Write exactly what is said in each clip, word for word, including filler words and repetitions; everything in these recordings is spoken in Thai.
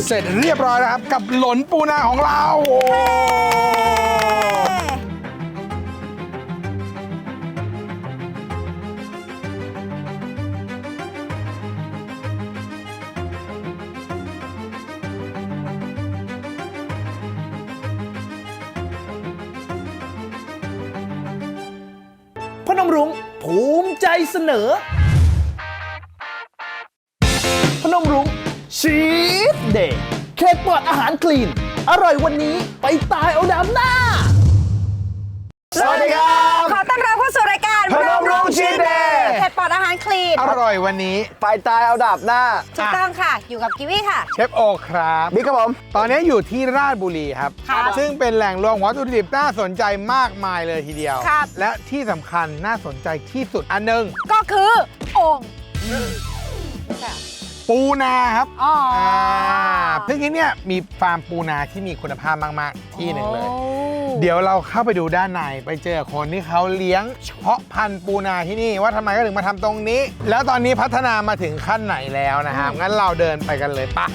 เสร็จเรียบร้อยแล้วครับกับหลนปูนาของเราพนมรุ้งภูมิใจเสนอพนมรุ้งชีสเดย์เค้กปลอดอาหารคลีนอร่อยวันนี้ไปตายเอาดำหน้าสวัสดีครับขอต้อนรับเข้าสู่รายการพนมรุ้งชีสเดย์เผ็ดปลอดอาหารคลีนอร่อยวันนี้ไปตายเอาดาบหน้าถูกต้องค่ะ อยู่กับกิวี่ค่ะเชฟโอครับบิ๊กครับผมตอนนี้อยู่ที่ราชบุรีครับครับซึ่งเป็นแหล่งรวมวัตถุดิบน่าสนใจมากมายเลยทีเดียวครับและที่สำคัญน่าสนใจที่สุดอันหนึ่งก็คือโอ่งปูนาครับอ๋ออ่าซึ่งที่เนี่ยมีฟาร์มปูนาที่มีคุณภาพมากๆที่หนึ่งเลยโอ้เดี๋ยวเราเข้าไปดูด้านในไปเจอคนที่เขาเลี้ยงเฉพาะพันธุ์ปูนาที่นี่ว่าทำไมก็ถึงมาทำตรงนี้ แล้วตอนนี้พัฒนามาถึงขั้นไหนแล้วนะครับงั้นเราเดินไปกันเลยปะ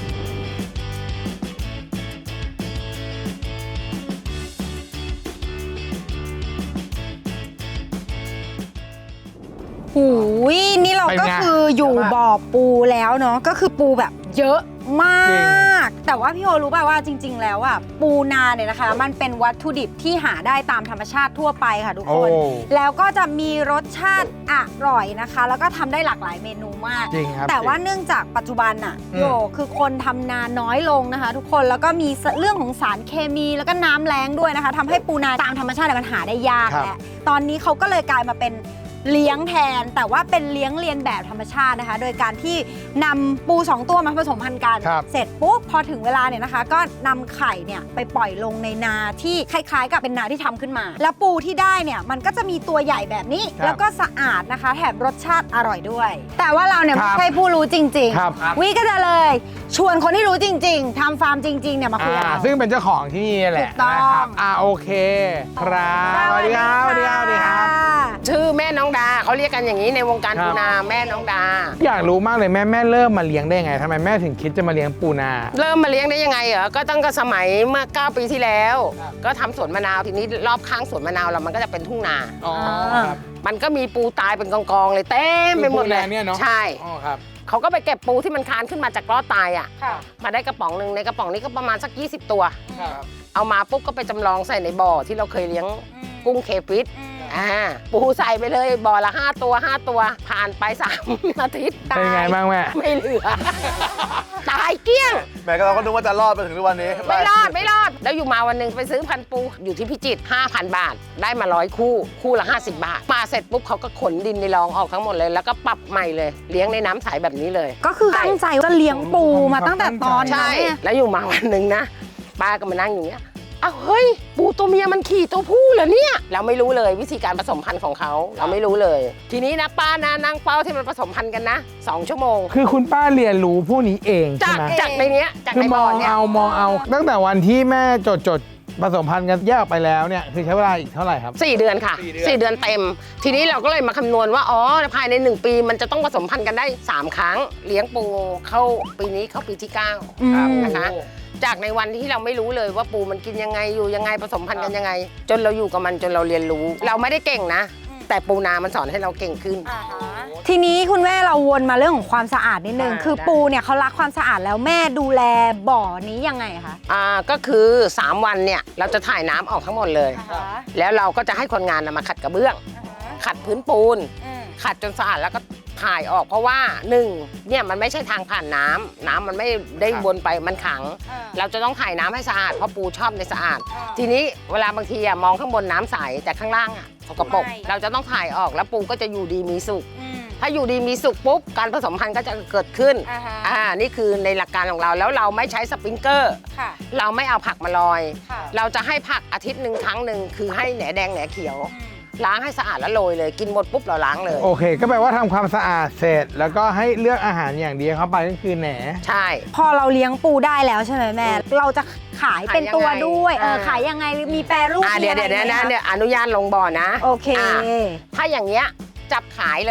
หูยนี่เราก็คืออยู่บ่อปูแล้วเนาะก็คือปูแบบเยอะมาก แต่ว่าพี่โอรู้ป่ะว่าจริง ๆ แล้วอ่ะปูนาเนี่ยนะคะ มันเป็นวัตถุดิบที่หาได้ตามธรรมชาติทั่วไปค่ะทุกคนโอ้แล้วก็จะมีรสชาติอร่อยนะคะ แล้วก็ทำได้หลากหลายเมนูมากจริงครับแต่ว่าเนื่องจากปัจจุบันน่ะอืมโยคือคนทำนาน้อยลงนะคะ ทุกคนแล้วก็มีเรื่องของสารเคมีแล้วก็น้ำแล้งด้วยนะคะทำให้ปูนาตามธรรมชาติเนี่ยมันหาได้ยากแหละตอนนี้เขาก็เลยกลายมาเป็นเลี้ยงแทน แต่ว่าเป็นเลี้ยงเรียนแบบธรรมชาตินะคะ โดยการที่นำปูสองตัวมาผสมพันธุ์กันครับเสร็จปุ๊บพอถึงเวลาเนี่ยนะคะ ก็นำไข่เนี่ยไปปล่อยลงในนาที่คล้ายๆ กับเป็นนาที่ทำขึ้นมา แล้วปูที่ได้เนี่ยมันก็จะมีตัวใหญ่แบบนี้ครับแล้วก็สะอาดนะคะ แถมรสชาติอร่อยด้วย แต่ว่าเราเนี่ยครัไม่บใช่ผู้รู้จริงครับๆวิก็จะเลยชวนคนที่รู้จริง ๆทำฟาร์มจริงๆเนี่ยมาคุยกับอ่าเราซึ่งเป็นเจ้าของที่นี่แหละถูกต้องนะครับอ่าโอเคครับสวัสดีครับสวัสดีครับสวัสดีครับชื่อแม่น้องดาเขาเรียกกันอย่างนี้ในวงการครับปูนาแม่น้องดาอยากรู้มากเลยแม่แม่เริ่มมาเลี้ยงได้ไงทำไมแม่ถึงคิดจะมาเลี้ยงปูนาเริ่มมาเลี้ยงได้ยังไงเหรอก็ตั้งแต่สมัยเมื่อเก้าปีที่แล้ว ก็ทำสวนมะนาวทีนี้รอบข้างสวนมะนาวเรามันก็จะเป็นทุ่งนาอ๋อครับมันก็มีปูตายเป็นกองๆเลยเต็มไปหมดเลยปูนาเนี่ยเนอะใช่อ๋อครับเขาก็ไปเก็บปูที่มันคลานขึ้นมาจากล้อตายอ่ะค่ะมาได้กระป๋องหนึ่งในกระป๋องนี้ก็ประมาณสักยี่สิบตัวครับเอามาปุ๊บก็ไปจำลองใส่ในบ่อที่เราเคยเลี้ยงกุ้งเคฟิตอ่าปูใส่ไปเลยบ่อละห้าตัวห้าตัวผ่านไปสามอาทิตย์เป็นไงบ้างแม่ไม่เหลือ ตายเกลี้ยงแม่ก็เราก็นึกว่าจะรอดไปถึงทุกวันนี้ไม่รอดไม่รอด แล้วอยู่มาวันหนึ่งไปซื้อพันปูอยู่ที่พิจิตร ห้าพัน บาท ได้มาร้อยคู่ คู่ละ ห้าสิบบาท มาเสร็จปุ๊บเขาก็ขนดินในรองออกทั้งหมดเลย แล้วก็ปรับใหม่เลย เลี้ยงในน้ำใสแบบนี้เลยก็คือตั้งใจจะเลี้ยงปูมาตั้งแต่ตอนใช่นั้นเนี่ยแล้วอยู่มาวันหนึ่งนะ ป้าก็มานั่งอย่างเงี้ยอ้าวเฮ้ย ปูตัวเมียมันขี่ตัวผู้เหรอเนี่ย เราไม่รู้เลยวิธีการผสมพันธุ์ของเขาเราไม่รู้เลย ทีนี้นะป้านะนั่งเป้าที่มันผสมพันธุ์กันนะสองชั่วโมงคือคุณป้าเรียนรู้พวกนี้เองจาใช่กไหมจากในเนี้ยจากคือในมบ่อองเนี่ยเอามองเอา ตั้งแต่วันที่แม่จดจดผสมพันธุ์กันแยกออกไปแล้วเนี่ยคือใช้เวลาอีกเท่าไหร่ครับสี่เดือนค่ะสี่เดือนสี่เดือนเต็ม ทีนี้เราก็เลยมาคำนวณว่า อ๋อ ภายในหนึ่งปีมันจะต้องผสมพันธุ์กันได้ สาม ครั้ง เลี้ยงปูเข้าปีนี้เข้าปีที่เก้าอืมนะคะ จากในวันที่เราไม่รู้เลยว่าปูมันกินยังไงอยู่ยังไงผสมพันธุ์กันยังไง จนเราอยู่กับมันจนเราเรียนรู้ เราไม่ได้เก่งนะ แต่ปูนามันสอนให้เราเก่งขึ้นทีนี้คุณแม่เราวนมาเรื่องของความสะอาดนิดนึงได้คือปูเนี่ยเขารักความสะอาดแล้วแม่ดูแลบ่อนี้ยังไงคะอ่าก็คือ สาม วันเนี่ยเราจะถ่ายน้ำออกทั้งหมดเลย แล้วเราก็จะให้คนงานนะมาขัดกระเบื้อง ขัดพื้นปูน ขัดจนสะอาดแล้วก็ถ่ายออกเพราะว่าหนึ่งเนี่ยมันไม่ใช่ทางผ่านน้ำน้ำมันไม่ได้วนไปมันขัง เราจะต้องถ่ายน้ำให้สะอาดเพราะปูชอบในสะอาด ทีนี้เวลาบางทีอะมองข้างบนน้ำใสแต่ข้างล่างอะสกปรกไม่เราจะต้องถ่ายออกแล้วปูก็จะอยู่ดีมีสุข ถ้าอยู่ดีมีสุขปุ๊บการผสมพันธุ์ก็จะเกิดขึ้นอ่าฮะอ่านี่คือในหลักการของเราแล้วเราไม่ใช้สปริงเกอร์ค่ะเราไม่เอาผักมาลอยค่ะเราจะให้ผักอาทิตย์หนึ่งครั้งหนึ่งคือให้แหนแดงแหนเขียว ล้างให้สะอาดแล้วโรยเลยกินหมดปุ๊บเราล้างเลยโอเค ก็แปลว่าทำความสะอาดเสร็จ แล้วก็ให้เลือกอาหารอย่างเดียวเข้าไปก็คือแหนใช่พอเราเลี้ยงปูได้แล้วใช่ไหมแม่ เราจะขายเป็นตัวด้วยเอออ่าขายยังไงมีแปรรูปอ่าเดี๋ยวมีเดี๋ยวอะไรเดี๋ยวไหมนะคะเดี๋ยวอนุญาตลงบ่อนะโอเคาถ้าอย่างเงี้ยจับขายเลย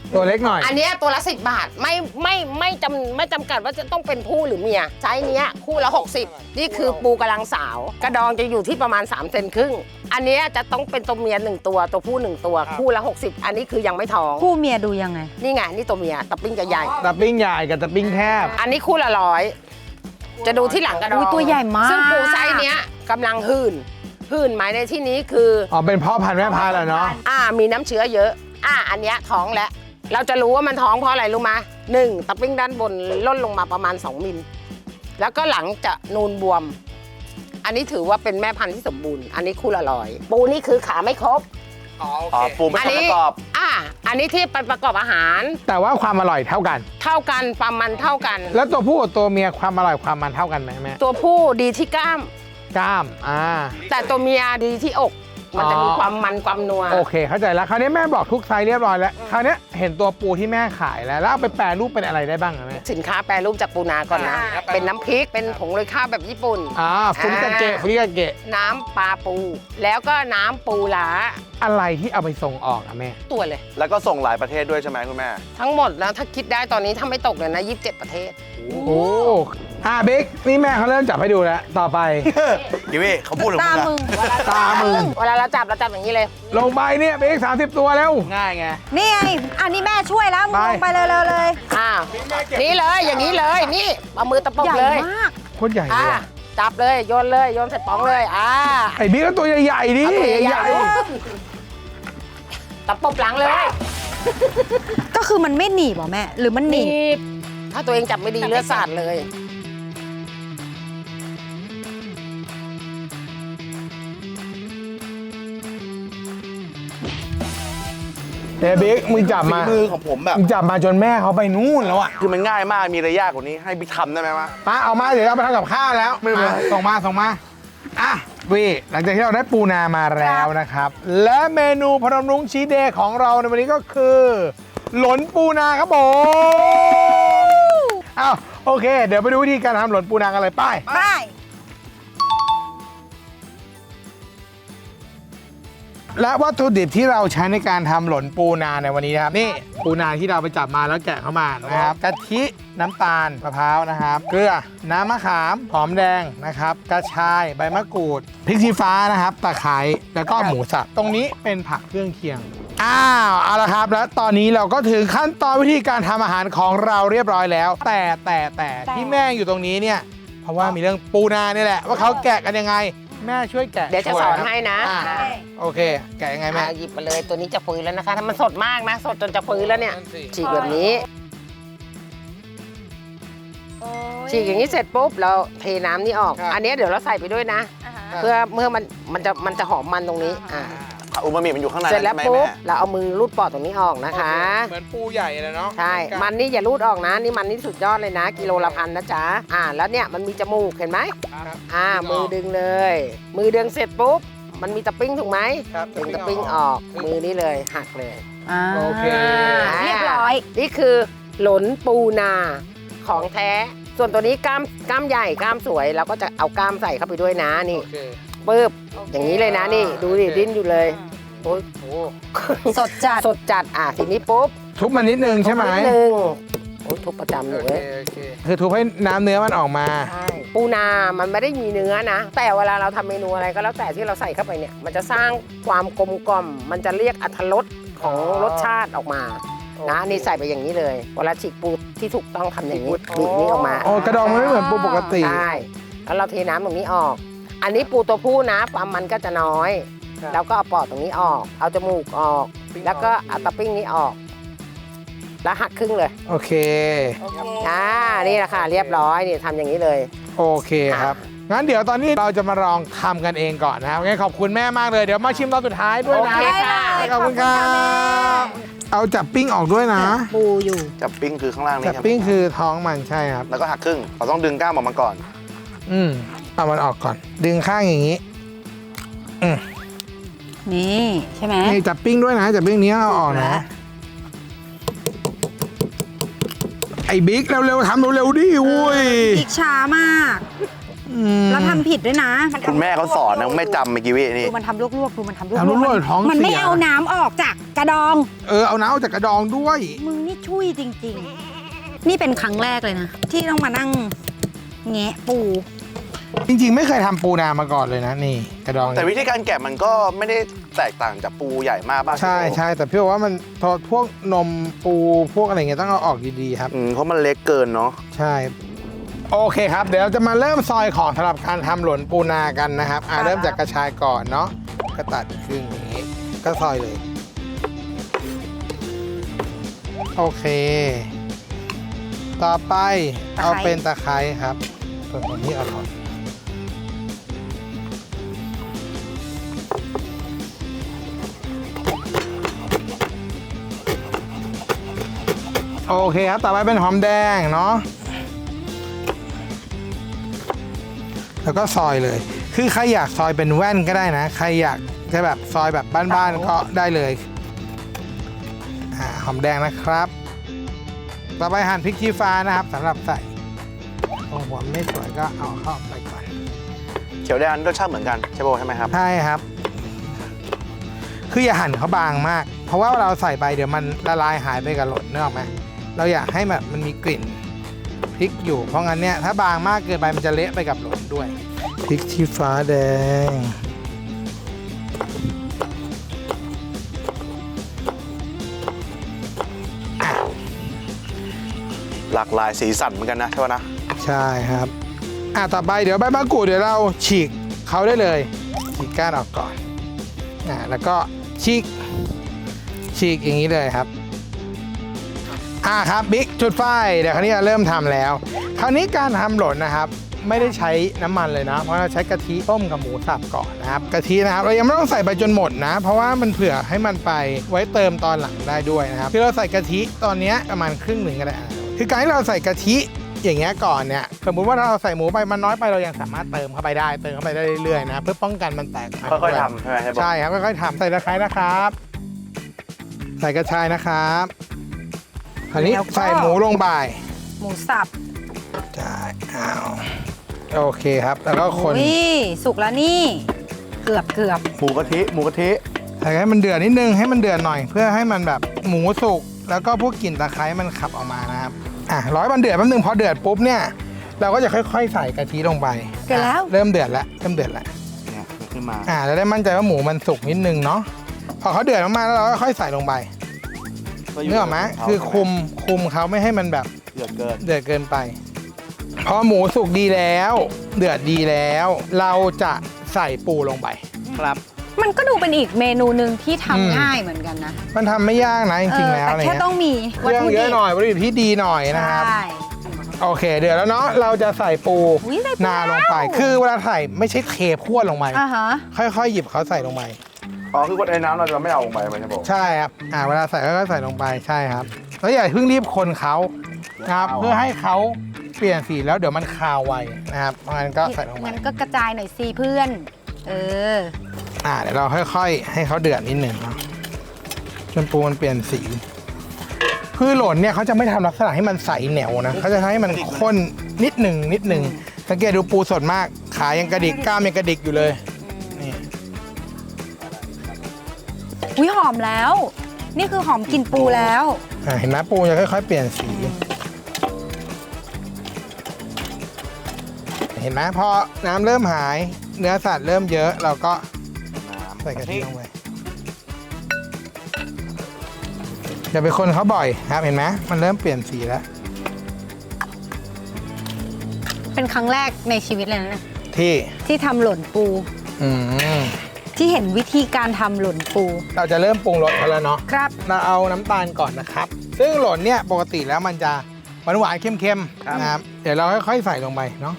ตัวเล็กหน่อยอันเนี้ยตัวละสิบบาทไม่ไม่ไม่จำไม่จำกัดว่าจะต้องเป็นผู้หรือเมียไซส์เนี้ยคู่ละหกสิบนี่คือปูกำลังสาว กระดองจะอยู่ที่ประมาณ3เซนครึ่งอันเนี้ยจะต้องเป็นตัวเมียหนึ่งตัวตัวผู้หนึ่งตัวคู่ละหกสิบอันนี้คือยังไม่ท้องคู่เมียดูยังไงนี่ไงนี่ตัวเมียตะปิ้งจะใหญ่ตะปิ้งใหญ่กับตะปิ้งแคบอันนี้คู่ละร้อยจะดูที่หลังกระดองอุ๊ยตัวใหญ่มากซึ่งปูไซส์เนี้ยกำลังหื่นหื่นหมายในที่นี้คืออ๋อเป็นพ่อพันธุ์แม่พันธุ์แหละเนาะอ่ามีน้ำเชื้อเยอะ อ่าอันเนี้ยท้องแล้วเราจะรู้ว่ามันท้องเพราะอะไรรู้ไหมหนึ่งตะปิ้งด้านบนล่นลงมาประมาณสองมิลแล้วก็หลังจะนูนบวม อันนี้ถือว่าเป็นแม่พันธุ์ที่สมบูรณ์อันนี้คู่ละร้อยปูนี่คือขาไม่ครบอ๋อโออ๋อเคปูไม่อัใช่นี้ประกอบอ่าอันนี้ที่ไปประกอบอาหารแต่ว่าความอร่อยเท่ากันเท่ากันความมันเท่ากันแล้วตัวผู้กับตัวเมียความอร่อยความมันเท่ากันไหมแม่ตัวผู้ดีที่กล้ามกล้ามอ่าแต่ตัวเมียดีที่อก มันจะมีความมันความนัวโอเคเข้าใจแล้วคราวนี้แม่บอกทุกไซส์เรียบร้อยแล้วคราวนี้เห็นตัวปูที่แม่ขายแล้วแล้วเอาไปแปรรูปเป็นอะไรได้บ้างอะแม่สินค้าแปรรูปจากปูนาก่อนนะอ่าเป็นน้ำพริก เป็นผงโรยข้าวแบบญี่ปุ่นอ่าฟุริกาเกะฟุริกาเกะน้ำปลาปู แล้วก็น้ำปูหลาอะไรที่เอาไปส่งออกอะแม่ตัวเลยแล้วก็ส่งหลายประเทศด้วยใช่ไหมคุณแม่ทั้งหมดแล้วถ้าคิดได้ตอนนี้ถ้าไม่ตกเลยนะยี่สิบเจ็ดประเทศโอ้อ่าบิ๊กนี่แม่เขาเริ่มจับให้ดูแล้วต่อไปกิวี่เขาพูดถึงตามึงมึอะงตามึงเวลาเราจับเราจับอย่างนี้เลยลงไปเนี่ยบิ๊กสามสิบตัวแล้วง่ายไงนี่ไงอันนี้แม่ช่วยแล้วมึงไปลงไปเลยเลยเลยอ้าว นี่เลย อย่างนี้เลย นี่เอามือตะปบใหญ่เลยมากโคตรใหญ่เลอ่ายอะจับเลย โยนเลย โยนใส่ป๋องเลย อ่าไอ้บิ๊กก็ตัวใหญ่ๆดิเอาตัวใหญ่ๆๆตะปบหลังเลยก็คือมันไม่หนีบเหรอแม่ หรือมันหนีบบถ้าตัวเองจับไม่ดีเลือดสาดเลยเฮ้ยบิ๊กมึงจับฝีมามือของผมแบบมึงจับมาจนแม่เขาไปนู่นแล้วอะคือมันง่ายมาก มีอะไรยากกว่านี้ให้บิ๊กทำได้ไหมวะป้าเอามาเดี๋ยวเราไปทำกับข้าวแล้วไม่เป็นไรอ่ะส่งมาส่งมาอ่ะวีหลังจากที่เราได้ปูนามาแล้วนะครับ และเมนูพนมรุ้งชีสเดย์ของเราในวันนี้ก็คือ หลนปูนาครับผมอ้าวโอเค เดี๋ยวไปดูวิธีการทำหลนปูนากันเลยไป้ายไปและวัตถุดิบที่เราใช้ในการทำหลนปูนาในวันนี้นะครับนี่ปูนาที่เราไปจับมาแล้วแกะเข้ามานะครับกะทิน้ำตาลมะพร้าวนะครับ เกลือน้ำมะขามหอมแดงนะครับ กระชายใบมะกรูดพริกชี้ฟ้านะครับตะไคร้แล้วก็หมูสับตรงนี้เป็นผักเครื่องเคียงอ้าวเอาละครับ แล้วตอนนี้เราก็ถึงขั้นตอนวิธีการทำอาหารของเราเรียบร้อยแล้ว แต่แต่แต่ที่แม่อยู่ตรงนี้เนี่ยเพราะว่ามีเรื่องปูนานี่แหละว่าเขาแกะกันยังไง แม่ช่วยแกะเดี๋ยวจะสอนให้นะอ่าอ่าโอเค แกะยังไงแม่อ่าหยิบมาเลย ตัวนี้จะฟื้นแล้วนะคะ ถ้ามันสดมากนะ สดจนจะฟื้นแล้วเนี่ยนั่นสิฉีกแบบนี้ ฉีกอย่างนี้เสร็จปุ๊บ เราเทน้ำนี่ออก อันนี้เดี๋ยวเราใส่ไปด้วยนะ เพื่อเมื่อมันมันจะมันจะหอมมันตรงนี้ อ่าอุมามิมันอยู่ข้างในเสร็จแล้วใช่ไหมปุ๊บแม่เราเอามือรูดปอดตรงนี้ออกนะคะเหมือนปูใหญ่เลยเนาะใช่ มันนี่อย่ารูดออกนะ นี่มันนี่สุดยอดเลยนะ กิโลละพันนะจ๊ะ อ่า แล้วเนี่ยมันมีจมูกเห็นไหมครับอ่า มือดึงเลย มือดึงเสร็จปุ๊บ มันมีตะปิ้งถูกไหมครับดึงตะปิ้งออก มือนี้เลยหักเลยอ่าโอเคเรียบร้อยนี่คือหลนปูนาของแท้ ส่วนตัวนี้กล้ามกล้ามใหญ่กล้ามสวยเราก็จะเอากล้ามใส่เข้าไปด้วยนะนี่โอเคปึ๊บอย่างนี้เลยนะนี่ ดูดิดิ้นอยู่เลยโอ้ยโอ้สดจัดสดจัดอ่ะทีนี้ปุ๊บทุบมันนิดนึงใช่ไหมนิดนึงโอ้ยทุบประจำหนูโอเลเคยโอเคคือทุบให้น้ำเนื้อมันออกมาใช่ปูนามันไม่ได้มีเนื้อนะ แต่เวลาเราทำเมนูอะไรก็แล้วแต่ที่เราใส่เข้าไปเนี่ย มันจะสร้างความกลมกล่อมมันจะเรียกอรรถรสของรสชาติออกมานะนี่ใส่ไปอย่างนี้เลยเวลาฉีกปูที่ถูกต้องทำอย่างนี้บีบนี้ออกมาโอ้กระดองมันไม่เหมือนปูปกติใช่ แล้วเราเทน้ำตรงนี้ออก อันนี้ปูตัวผู้นะความมันก็จะน้อยครับแล้วก็เอาปอดตรงนี้ออก เอาจมูกออกปิ้งออกแล้วก็เอาตะปิ้งนี้ออก แล้วหักครึ่งเลยโอเคอ่า นี่แหละค่ะ เรียบร้อย นี่ทำอย่างนี้เลยโอเคครับ งั้นเดี๋ยวตอนนี้เราจะมาลองทำกันเองก่อนนะครับงั้นขอบคุณแม่มากเลย เดี๋ยวมาชิมตอนสุดท้ายด้วยนะโอเคค่ะขอบคุณครับเอาจับปิ้งออกด้วยนะปูอยู่จับปิ้งคือข้างล่างนี่จับครับปิ้งคือท้องมันใช่ครับแล้วก็หักครึ่งเราต้องดึงกล้ามออกมาก่อนอืมเอามันออกก่อน ดึงข้างอย่างนี้ อืมนี่ใช่ไหมนี่จับปิ้งด้วยนะจับปิ้งนี้เอาออกนะ ไอ้บิ๊กเร็วๆทำเร็วๆดิอุ้ยอีกช้ามากอืมแล้วทำผิดด้วยนะนคุณแม่เขาสอนนะไม่จำเมื่อกี้วินี่ดูมันทำลวกๆดูมันทำลวกทำลวกๆท้องมันไม่เสียเอาน้ำออกจากกระดองเออเอาน้ำออกจากกระดองด้วยมึงนี่ช่วยจริงๆ นี่เป็นครั้งแรกเลยนะ ที่ต้องมานั่งแงะปูจริงๆ ไม่เคยทำปูนามาก่อนเลยนะนี่กระดองแต่วิธีการแกะมันก็ไม่ได้แตกต่างจากปูใหญ่มากป่ะใช่ใช่แต่พี่บอกว่ามันพอพวกนมปูพวกอะไรเงี้ยต้องเอาออกดีๆครับอืมเพราะมันเล็กเกินเนาะใช่โอเคครับ เดี๋ยวเราจะมาเริ่มซอยของสำหรับการทำหลนปูนากันนะครับอ่าเริ่มจากกระชายก่อนเนาะก็ตัดครึ่งอย่างนี้ก็ซอยเลยโอเค ต่อไปเอาเป็นตะไคร้ครับส่วนตรงนี้เอาก่อนโอเคครับต่อไปเป็นหอมแดงเนาะแล้วก็ซอยเลย คือใครอยากซอยเป็นแว่นก็ได้นะ ใครอยากจะแบบซอยแบบบ้านๆก็ได้เลยอ่าหอมแดงนะครับ ต่อไปหั่นพริกชี้ฟ้านะครับสำหรับใส่ตรงหัวไม่สวยก็เอาเข้าไปก่อนเขียวแดงรสชาติเหมือนกันใช่ป่ะใช่ไหมครับใช่ครับ คืออย่าหั่นเขาบางมาก เพราะว่าเราใส่ไปเดี๋ยวมันละลายหายไปกับหล่นนึกออกไหมเราอยากให้แบบมันมีกลิ่นพริกอยู่ เพราะงั้นเนี่ยถ้าบางมากเกินไปมันจะเละไปกับหล่นด้วยพริกชี้ฟ้าแดงหลากหลายสีสันเหมือนกันนะใช่ป่ะนะใช่ครับอ่ะต่อไปเดี๋ยวใบมะกรูดเดี๋ยวเราฉีกเขาได้เลยฉีกก้านออกก่อนอ่ะแล้วก็ฉีกฉีกอย่างนี้เลยครับอ่ะครับบิ๊กจุดไฟเดี๋ยวคราวนี้เราเริ่มทำแล้ว คราวนี้การทำหล่นนะครับ ไม่ได้ใช้น้ำมันเลยนะ เพราะเราใช้กะทิต้มกับหมูสับก่อนนะครับกะทินะครับเรายังไม่ต้องใส่ไปจนหมดนะ เพราะว่ามันเผื่อให้มันไปไว้เติมตอนหลังได้ด้วยนะครับคือเราใส่กะทิตอนนี้ประมาณครึ่งหนึ่งก็ได้คือการที่เราใส่กะทิอย่างเงี้ยก่อนเนี่ยสมมุติว่าถ้าเราใส่หมูไปมันน้อยไปเรายังสามารถเติมเข้าไปได้เติมเข้าไปได้เรื่อยๆนะเพื่อป้องกันมันแตกค่อยๆทำใช่ไหมใช่ป่ะใช่ครับค่อยๆทำใส่ตะไคร้นะครับ ใส่กระชายนะครับคราวนี้ใส่หมูลงไปหมูสับใช่เอาโอเคครับแล้วก็คนอุ้ยสุกแล้วนี่ เกือบเกือบหมูกะทิหมูกะทิใส่ให้มันเดือดนิดนึงให้มันเดือดหน่อย เพื่อให้มันแบบหมูสุกแล้วก็พวกกลิ่นตะไคร้มันขับออกมานะครับอ่ะร้อยมันเดือดแป๊บนึงพอเดือดปุ๊บเนี่ยเราก็จะค่อยๆ ใส่กะทิลงไปเกิดแล้วเริ่มเดือดแล้วเริ่มเดือดแล้วเนี่ยขึ้นมาอ่าจะได้มั่นใจว่าหมูมันสุกนิดนึงเนาะพอเขาเดือดมากๆแล้วเราก็ค่อยใส่ลงไปเนื้ออกไหมคือคุมคุมเขาไม่ให้มันแบบเดือดเกินเดือดเกินไปพอหมูสุกดีแล้ว เดือดดีแล้ว เราจะใส่ปูลงไปครับมันก็ดูเป็นอีกเมนูหนึ่งที่อืมทำง่ายเหมือนกันนะมันทำไม่ยากนะจริงๆเออแล้วแต่อะไรแค่เงี้ยต้องมีเครื่องเยอะหน่อยวัตถุดิบที่ดีหน่อยนะครับใช่โอเค เดี๋ยวแล้วเนาะเราจะใส่ปูอุ๊ยใส่ปูนาลงไปแล้วคือเวลาใส่ไม่ใช่เทพรวดลงไปอ่าฮะค่อยๆ หยิบเขาใส่ลงไปอ๋อคือว่าไอ้น้ำเราจะไม่เอาลงไปไหมใช่ป่ะใช่ครับอ่าเวลาใส่ก็ใส่ลงไปใช่ครับแล้วอย่าเพิ่งรีบคนเขานะครับเพื่อให้เขาเปลี่ยนสีแล้วเดี๋ยวมันคาวไวนะครับเพราะงั้นก็ใส่ลงไปงั้นก็กระจายหน่อยสิเพื่อน เอออ่าเดี๋ยวเราค่อยๆ ให้เขาเดือดนิดหนึ่งเนาะจนปูมันเปลี่ยนสีคือหล่นเนี่ยเขาจะไม่ทำลักษณะให้มันใสเหนียวนะเขาจะทำให้มันข้นนิดหนึ่งนิดหนึ่งสังเกตดูปูสดมากขายังกระดิกกล้ามยังกระดิกอยู่เลยนี่อุ้ยหอมแล้ว นี่คือหอมกลิ่นปูแล้วอ่าเห็นไหมปูจะค่อยๆ เปลี่ยนสี เห็นไหมพอน้ำเริ่มหายเนื้อสัตว์เริ่มเยอะเราก็ใส่กะทิลงไปอย่าไปคนเขาบ่อยครับเห็นไหมมันเริ่มเปลี่ยนสีแล้วเป็นครั้งแรกในชีวิตเลยนะเนี่ยที่ที่ทำหล่นปูอืมที่เห็นวิธีการทำหล่นปูเราจะเริ่มปรุงรสกันแล้วเนาะครับเราเอาน้ำตาลก่อนนะครับ ซึ่งหล่นเนี่ยปกติแล้วมันจะหวานหวานๆเค็มๆนะครับเดี๋ยวเราค่อยๆใส่ลงไปเนาะ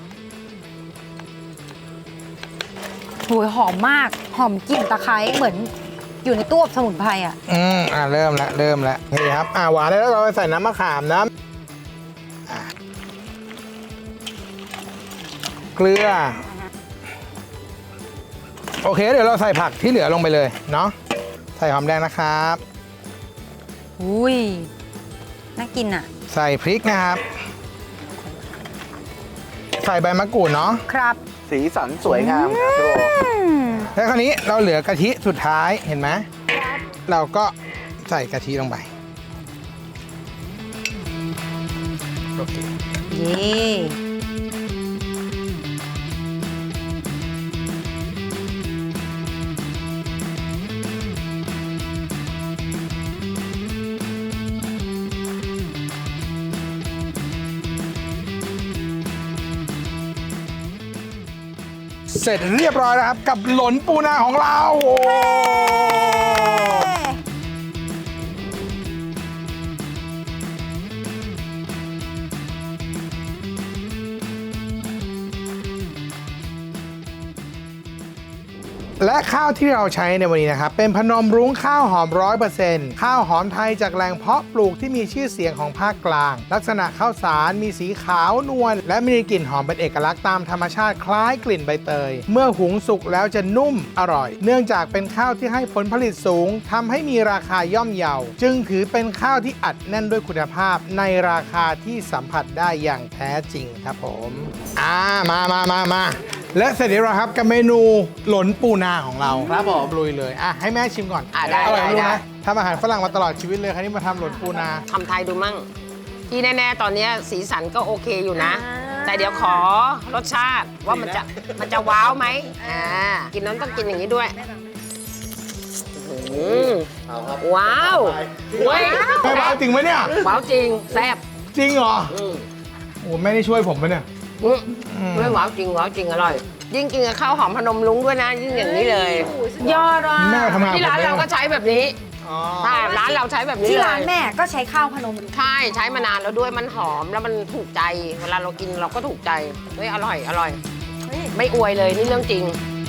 โหยหอมมาก หอมกลิ่นตะไคร้เหมือนอยู่ในตู้อบสมุนไพรอ่ะอืมอ่าเริ่มแล้วเริ่มแล้วนี่ครับอ่าหวานแล้วเราไปใส่น้ำมะขามนะอ่ะเกลือโอเคเดี๋ยวเราใส่ผักที่เหลือลงไปเลยเนาะใส่หอมแดงนะครับอุ้ย น่ากินอ่ะใส่พริกนะครับใส่ใบมะกรูดเนาะครับสีสันสวยงามครับพี่โบอืมแล้วคราวนี้เราเหลือกะทิสุดท้ายเห็นไหมเราก็ใส่กะทิลงไปโอเคเย่เสร็จเรียบร้อยแล้วครับกับหลนปูนาของเราโอ้และข้าวที่เราใช้ในวันนี้นะครับเป็นพนมรุ้งข้าวหอม ร้อยเปอร์เซ็นต์ ข้าวหอมไทยจากแหล่งเพาะปลูกที่มีชื่อเสียงของภาคกลาง ลักษณะข้าวสารมีสีขาวนวลและมีกลิ่นหอมเป็นเอกลักษณ์ตามธรรมชาติคล้ายกลิ่นใบเตย เมื่อหุงสุกแล้วจะนุ่มอร่อย เนื่องจากเป็นข้าวที่ให้ผลผลิตสูงทำให้มีราคาย่อมเยาจึงถือเป็นข้าวที่อัดแน่นด้วยคุณภาพในราคาที่สัมผัสได้อย่างแท้จริงครับผมอ่ามามามามาและเสร็จแล้วครับกับเมนูหลนปูนาของเราครับผมลุยเลยอ่ะให้แม่ชิมก่อนอ่ะได้อร่อยได้รู้ได้นะทำอาหารฝรั่งมาตลอดชีวิตเลยครั้นี้มาทำหลนปูนาทำไทยดูมั่ง ที่แน่ๆ ตอนนี้สีสันก็โอเคอยู่นะอ่าแต่เดี๋ยวขอรสชาติว่ามันจะมันจะว้าวไหมอ่ากินนั้นต้องกินอย่างนี้ด้วยอื้อหือว้าวเว้ยไม่บ้าจริงไหมเนี่ยว้าวจริงแซ่บจริงเหรออืมโอ้ไม่ได้ช่วยผมปะเนี่ยอืมไม่ว้าวจริงว้าวจริงอร่อย ยิ่งกินกับข้าวหอมพนมรุ้งด้วยนะ ยิ่งอย่างนี้เลยยอดว่ะแม่ทำงานที่ร้านเราก็ใช้แบบนี้อ๋อใช่ร้านเราใช้แบบนี้ที่เลยร้านแม่ก็ใช้ข้าวพนมรุ้งใช่ใช้มานานแล้วด้วยมันหอมแล้วมันถูกใจ เวลาเรากินเราก็ถูกใจเฮ้ยอร่อยอร่อยเฮ้ยไม่อวยเลยนี่เรื่องจริง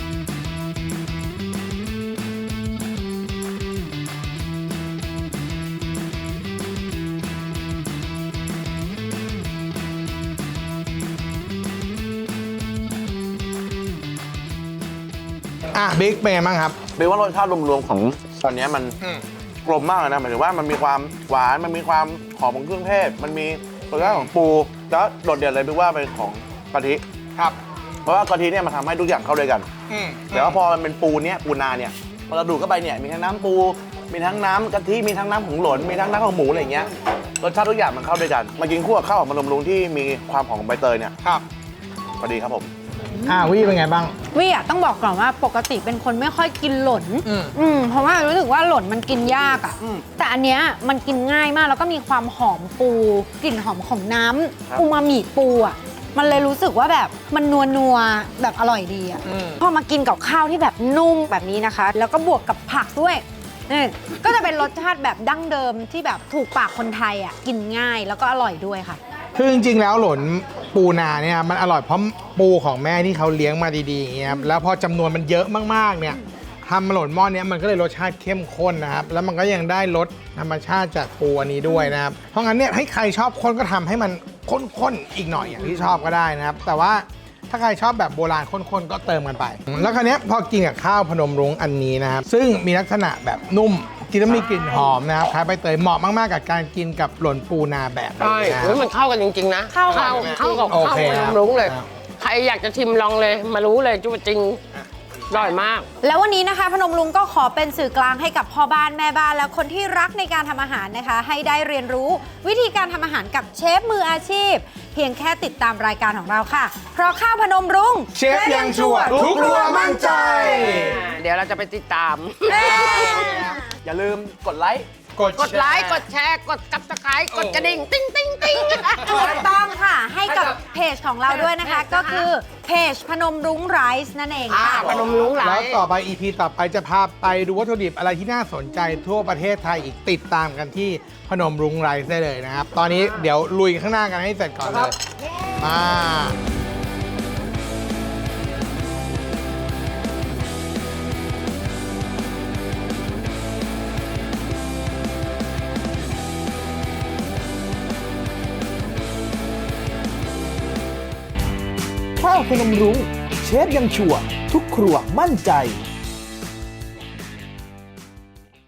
อ่ะบิ๊กเป็นไงบ้างครับเบลว่ารสชาติรวมๆของตอนนี้มันอืมกลมมากเลยนะหมายถึงว่ามันมีความหวานมันมีความหอมของเครื่องเทศมันมีรสชาติของปูแล้วโดดเด่นเลยเบลว่าเป็นของกะทิครับเพราะว่ากะทิเนี่ยมันทำให้ทุกอย่างเข้าด้วยกันอืมแต่ว่าพอมันเป็นปูเนี่ยปูนาเนี่ยพอเราดูดเข้าไปเนี่ยมีทั้งน้ำปู มีทั้งน้ำกะทิมีทั้งน้ำของหลนมีทั้งน้ำของหมูอะไรอย่างเงี้ยรสชาติทุกอย่างมันเข้าด้วยกันมากินคู่กับข้าวหอมพนมรุ้งที่มีความหอมของใบเตยเนี่ยครับพอดีครับผมอ่าวี่เป็นไงบ้างวิอ่ะต้องบอกก่อนว่าปกติเป็นคนไม่ค่อยกินหล่นอืมอืมเพราะว่ารู้สึกว่าหล่นมันกินยากอ่ะอืมแต่อันเนี้ยมันกินง่ายมากแล้วก็มีความหอมปูกลิ่นหอมของน้ำครับอูมามิปูอ่ะมันเลยรู้สึกว่าแบบมันนัวนัวๆแบบอร่อยดีอ่ะอืมพอมากินกับข้าวที่แบบนุ่มแบบนี้นะคะ แล้วก็บวกกับผักด้วยนี่ก็จะเป็นรสชาติแบบดั้งเดิมที่แบบถูกปากคนไทยอ่ะกินง่ายแล้วก็อร่อยด้วยค่ะคือจริงๆแล้วหลนปูนาเนี่ยมันอร่อยเพราะปูของแม่ที่เขาเลี้ยงมาดีๆอย่างเงี้ยครับแล้วพอจำนวนมันเยอะมากๆเนี่ยทำหลนหม้อเนี้ยมันก็เลยรสชาติเข้มข้นนะครับแล้วมันก็ยังได้รสธรรมชาติจากปูอันนี้ด้วยนะครับเพราะงั้นเนี่ยให้ใครชอบข้นก็ทำให้มันข้นๆอีกหน่อยอย่างที่ชอบก็ได้นะครับแต่ว่าถ้าใครชอบแบบโบราณข้นๆก็เติมกันไป แล้วคราวเนี้ยพอกินกับข้าวพนมรุ้งอันนี้นะครับซึ่งมีลักษณะแบบนุ่มกินแล้วมีกลิ่นหอมนะครับคล้ายใบเตยเหมาะมากๆกับการกินกับหลนปูนาแบบใช่นี้นะคเฮ้รัยบมันเข้ากันจริง ๆ นะเข้ากันเข้ากับโอข้าวเคพคนรับมรุ้งเลยครับใครอยากจะชิมลองเลย มารู้เลยจุ๊บจริงอร่อยมากแล้ววันนี้นะคะพนมรุ้งก็ขอเป็นสื่อกลางให้กับพ่อบ้านแม่บ้านและคนที่รักในการทำอาหารนะคะ ให้ได้เรียนรู้วิธีการทำอาหารกับเชฟมืออาชีพ เพียงแค่ติดตามรายการของเราค่ะ เพราะข้าวพนมรุ้งเชฟยังชัวร์ทุกครัวมั่นใจเดี๋ยวเราจะไปติดตามอย่าลืมกดไลค์กดไลค์ กดแชร์ กดกับสไครต์กดกระดิ่ง ติ้งติ้งติ้งถูกต้องค่ะ ให้กับเพจของเราด้วยนะคะ ก็คือเพจพนมรุ้งไรซ์นั่นเองอ่าค่ะพนมรุ้งหลาแล้วยต่อไป อี พี ต่อไปจะพาไปดูวัตถุดิบอะไรที่น่าสนใจทั่วประเทศไทยอีกติดตามกันที่พนมรุ้งไรซ์ได้เลยนะครับ ตอนนี้เดี๋ยวลุยข้างหน้ากันให้เสร็จก่อนเลย มาข้าวพนมรุ้งเชฟยังชัวร์ทุกครัวมั่นใจ